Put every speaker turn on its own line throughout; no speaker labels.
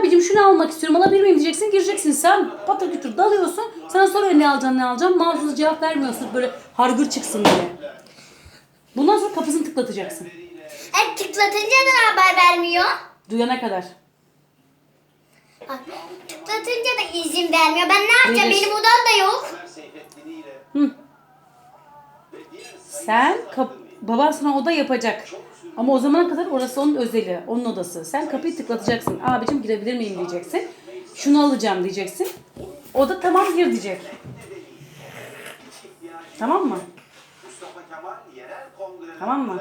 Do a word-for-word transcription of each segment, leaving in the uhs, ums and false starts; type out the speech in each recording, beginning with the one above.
abicim şunu almak istiyorum, alabilir miyim diyeceksin, gireceksin. Sen patır kütür dalıyorsun. Sana soruyor ne alacaksın ne alacaksın. Mağazalı cevap vermiyorsun böyle hargır çıksın diye. Bundan sonra kapısını tıklatacaksın.
E, tıklatınca da haber vermiyor.
Duyana kadar.
Bak, tıklatınca da izin vermiyor. Ben ne yapacağım?
Verir.
Benim odam da yok.
Hı. Sen kap baban sana oda yapacak. Ama o zamana kadar orası onun özeli, onun odası. Sen kapıyı tıklatacaksın. Abicim girebilir miyim diyeceksin. Şunu alacağım diyeceksin. O da tamam gir diyecek. Tamam mı? Tamam mı?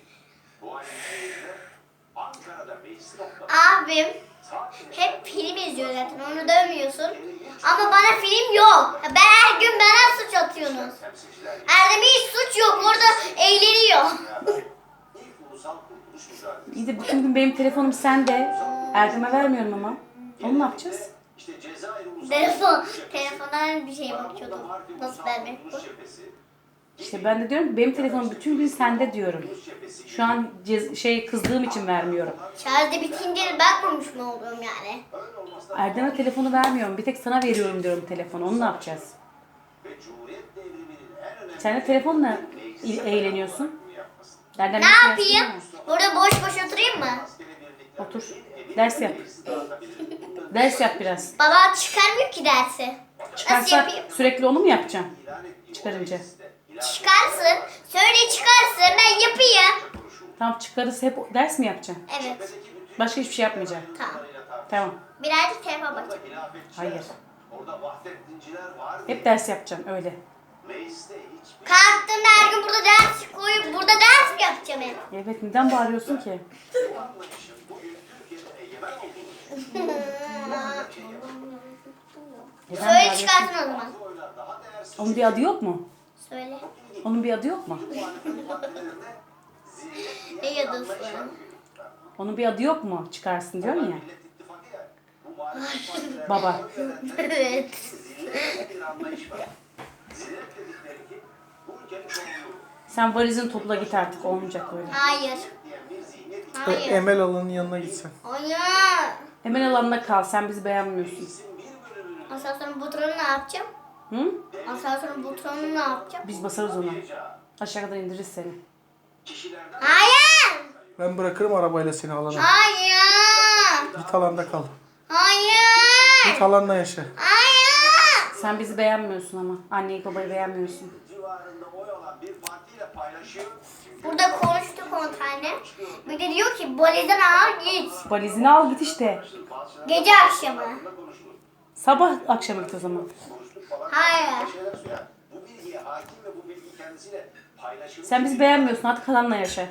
Abim hep film izliyor zaten. Onu dövmüyorsun. Ama bana film yok. Ben her gün bana suç atıyorsunuz. Erdem'e hiç suç yok. Orada eğleniyor.
İyi de bütün gün benim telefonum sende. Erdem'e vermiyorum ama. Onu ne yapacağız?
Telefon. Telefondan bir şeye bakıyordum. Nasıl vermek bu?
İşte ben de diyorum ki benim telefonum bütün gün sende diyorum. Şu an cez- şey kızdığım için vermiyorum.
Şarjı bitince bakmamış mı oluyorum yani?
Erdem'e telefonu vermiyorum. Bir tek sana veriyorum diyorum telefonu. Onu ne yapacağız? Sen de telefonla il- eğleniyorsun. Erdem
Ne
bir
yapayım?
şey yapsana.
Burada boş boş oturayım mı?
Otur. Ders yap. Ders yap biraz.
Baba çıkarmıyor ki dersi. Nasıl
Çıkarsa
yapayım?
sürekli onu mu yapacaksın? Çıkarınca.
Çıkarsın. Söyle çıkarsın. Ben yapayım.
Tamam çıkarırsa hep ders mi yapacaksın?
Evet.
Başka hiçbir şey yapmayacaksın.
Tamam.
Tamam.
Birazcık telefon bakacağım.
Hayır. Hep ders yapacaksın öyle.
Kalktığımda her gün burada ders koyup burada ders mi yapacağım hep?
Evet neden bağırıyorsun ki? Neden
Söyle
bağırıyorsun?
çıkarsın o zaman.
Onun bir adı yok mu?
Söyle.
Onun bir adı yok mu?
Ne yazıyorsun?
Onun bir adı yok mu? Çıkarsın diyorsun ya. Baba.
Evet.
Sen valizini topla git artık olmayacak öyle.
Hayır. Hayır.
Emel Alan'ın yanına gitsen.
Hayır.
Hemen alanına kal. Sen bizi beğenmiyorsun.
Asansörün butonunu ne yapacağım?
Hı?
Asansörün butonunu ne yapacağım?
Biz basarız ona. Aşağı kadar indiririz seni.
Hayır.
Ben bırakırım arabayla seni alana.
Hayır.
Git alanda kal.
Hayır.
Git alanla yaşa.
Hayır.
Sen bizi beğenmiyorsun ama. Anneyi babayı beğenmiyorsun.
Burada konuştuk on tane. Bir de diyor ki valizden al git.
Valizini al git işte.
Gece akşamı.
Sabah akşam git o zaman.
Hayır.
Sen bizi beğenmiyorsun. Artık kalanla yaşa.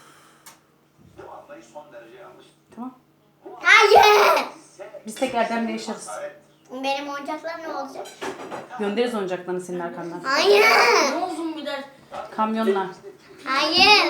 Tamam.
Hayır.
Biz tek Erdem'le yaşarız.
Benim oyuncaklar ne olacak?
Göndeririz oyuncaklarını senin arkandan.
Hayır.
Kamyonla.
Hayır.